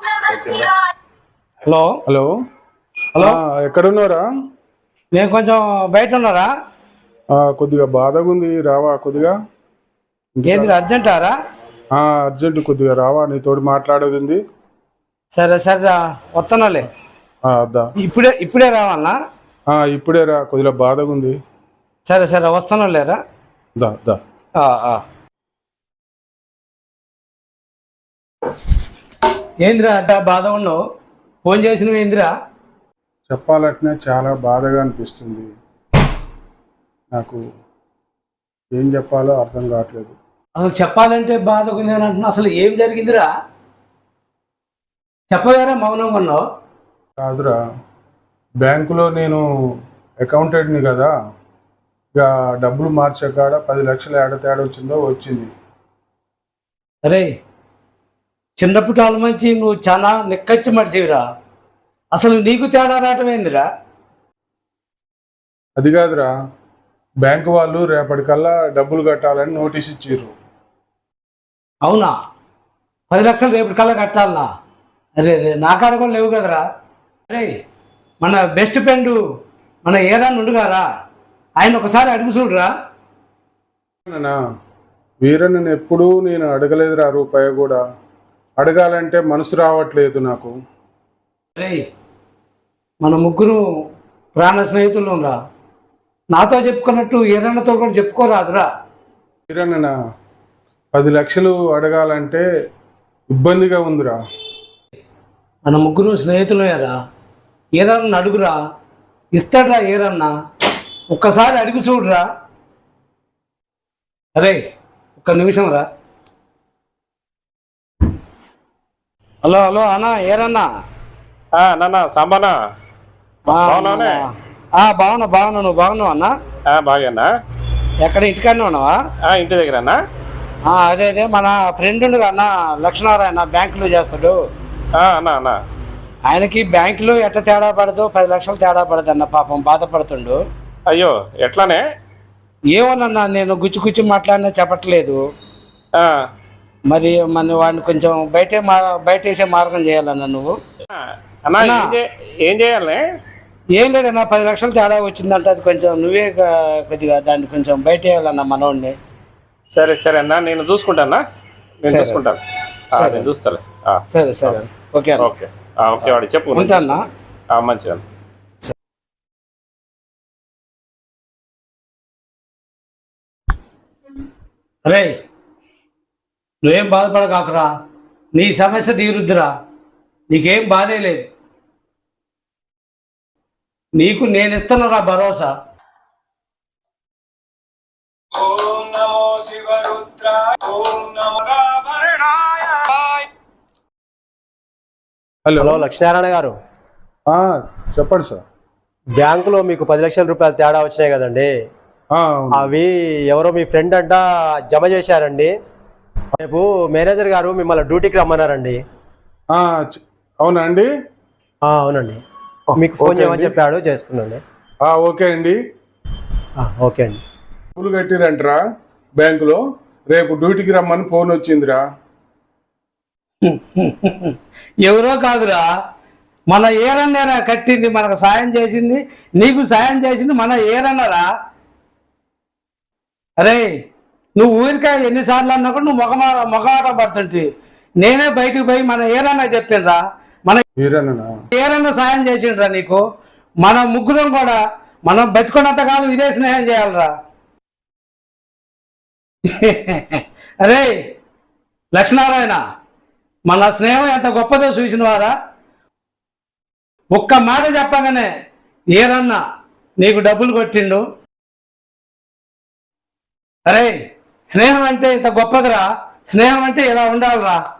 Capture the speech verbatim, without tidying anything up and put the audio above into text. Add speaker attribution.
Speaker 1: Hello
Speaker 2: hello
Speaker 1: hello
Speaker 2: ఎక్కడున్నారా?
Speaker 1: నేను కొంచెం బయట ఉన్నారా?
Speaker 2: కొద్దిగా బాధగా ఉంది, రావా కొద్దిగా?
Speaker 1: ఏంది అర్జెంటారా?
Speaker 2: అర్జెంట్, కొద్దిగా రావా, నీతోటి మాట్లాడేది ఉంది.
Speaker 1: సరే సరే వస్తున్నాలే.
Speaker 2: అద్దా
Speaker 1: ఇప్పుడే ఇప్పుడే రావాలనా?
Speaker 2: ఇప్పుడే రా, కొద్దిగా బాధగా ఉంది.
Speaker 1: సరే సరే వస్తాను లేరా.
Speaker 2: దా దా
Speaker 1: ఏందిరా అట్ట బాధ ఉన్నావు? ఫోన్ చేసినవి ఏందిరా?
Speaker 2: చెప్పాలంటే చాలా బాధగా అనిపిస్తుంది నాకు. ఏం చెప్పాలో అర్థం కావట్లేదు.
Speaker 1: అసలు చెప్పాలంటే బాధగా ఉంది అని అంటున్నా. అసలు ఏం జరిగిందిరా? చెప్పగారా మౌనంగా ఉన్నావు?
Speaker 2: కాదురా, బ్యాంకులో నేను అకౌంటెంట్ని కదా, ఇక డబ్బులు మార్చకాడ పది లక్షలు ఏడ తేడా వచ్చిందో వచ్చింది.
Speaker 1: అరే చిన్నప్పటి వాళ్ళ మంచి నువ్వు చాలా నిక్కచ్చి మడిచివిరా. అసలు నీకు తేడా రావటం ఏందిరా?
Speaker 2: అది కాదురా, బ్యాంకు వాళ్ళు రేపటికల్లా డబ్బులు కట్టాలని నోటీస్ ఇచ్చారు.
Speaker 1: అవునా? పది లక్షలు రేపటికల్లా కట్టాలనా? అరే రే నా కాడ కూడా లేవు కదరా. అరే మన బెస్ట్ ఫ్రెండ్ మన ఏరాన్ని ఉండుగారా, ఆయన ఒకసారి అడుగు చూడరా.
Speaker 2: వీరన్నను ఎప్పుడూ నేను అడగలేదురా, రూపాయి కూడా. అడగాలంటే మనసు రావట్లేదు నాకు.
Speaker 1: అరే మన ముగ్గురు ప్రాణ స్నేహితులు రా. నాతో చెప్పుకున్నట్టు ఈరన్నతో కూడా చెప్పుకోరాదురా.
Speaker 2: వీరన్న పది లక్షలు అడగాలంటే ఇబ్బందిగా ఉందిరా.
Speaker 1: మన ముగ్గురు స్నేహితులేరా, ఈరన్న అడుగురా, ఇస్తాడ్రా ఈరన్న. ఒక్కసారి అడిగి చూడరా. అరే ఒక్క నిమిషం రా. హలో హలో అన్నా, ఏరన్నా?
Speaker 3: నాన్న సాంబానా?
Speaker 1: బాగున్నా బాగున్నా. నువ్వు బాగున్నావు అన్నా?
Speaker 3: బాగా.
Speaker 1: ఎక్కడ ఇంటికాడనే ఉన్నావా?
Speaker 3: ఇంటి దగ్గర అన్నా.
Speaker 1: అదే అదే మన ఫ్రెండ్ ఉండగా అన్న, లక్ష్మీనారాయణ బ్యాంకులో చేస్తాడు
Speaker 3: అన్నా అన్నా.
Speaker 1: ఆయనకి బ్యాంకులో ఎట్ట తేడా పడదు, పది లక్షలు తేడా పడదు అన్న. పాపం బాధపడుతుండు.
Speaker 3: అయ్యో ఎట్లానే?
Speaker 1: ఏమోనన్నా, నేను గుచ్చి గుచ్చి మాట్లాడినా చెప్పట్లేదు. మరి మన వాడిని కొంచెం బయటే మా బయట వేసే మార్గం చేయాలన్నా నువ్వు.
Speaker 3: ఏం చేయాలి?
Speaker 1: ఏం లేదన్నా, పది లక్షలు తేడా వచ్చిందంట. అది కొంచెం నువ్వే కొద్దిగా దాన్ని కొంచెం బయట వేయాలన్నా మనోడిని.
Speaker 3: సరే సరే అన్నా, నేను చూసుకుంటానా. నేను చూసుకుంటాను, నేను చూస్తాను.
Speaker 1: సరే సరే ఓకే
Speaker 3: ఓకే ఓకే వాడు చెప్పు.
Speaker 1: ఉంటానా?
Speaker 3: మంచిగా.
Speaker 1: అరే నువ్వేం బాధపడకాకురా, నీ సమస్య తీరుద్దురా. నీకేం బాధే లేదు. నీకు నేను ఇస్తున్నారా భరోసా.
Speaker 4: హలో హలో లక్ష్మీనారాయణ గారు,
Speaker 2: చెప్పండి సార్.
Speaker 4: బ్యాంకులో మీకు పది లక్షల రూపాయలు తేడా వచ్చినాయి కదండి, అవి ఎవరో మీ ఫ్రెండ్ అంట జమ చేశారండి. రేపు మేనేజర్ గారు మిమ్మల్ని డ్యూటీకి రమ్మన్నారండి.
Speaker 2: అవునా అండి?
Speaker 4: అవునండి, మీకు ఫోన్ చేయమని చెప్పాడు, చేస్తున్నాండి.
Speaker 2: ఓకే అండి.
Speaker 4: ఓకే అండి.
Speaker 2: డబ్బులు కట్టిరంటరా బ్యాంకులో, రేపు డ్యూటీకి రమ్మని ఫోన్ వచ్చిందిరా.
Speaker 1: ఎవరో కాదురా, మన ఏరన్నరా కట్టింది, మనకు సాయం చేసింది, నీకు సాయం చేసింది మన ఏరన్నరా. అరే నువ్వు ఊరికాయ ఎన్నిసార్లు అన్నా కూడా నువ్వు మొగమా మొగమాటం పడుతుంటే నేనే బయటకు పోయి మన ఏరన్నా చెప్పిండ్రా, మన ఏరన్న సాయం చేసిండ్రా నీకు. మన ముగ్గురం కూడా మనం బతుకున్నంత కాలం ఇదే స్నేహం చేయాలరా. అరే లక్ష్మీనారాయణ, మన స్నేహం ఎంత గొప్పదో చూసినవారా. ఒక్క మాట చెప్పగానే ఏరన్నా నీకు డబ్బులు కొట్టిండు. అరే స్నేహం అంటే ఇంత గొప్పదిరా. స్నేహం అంటే ఇలా ఉండాలిరా.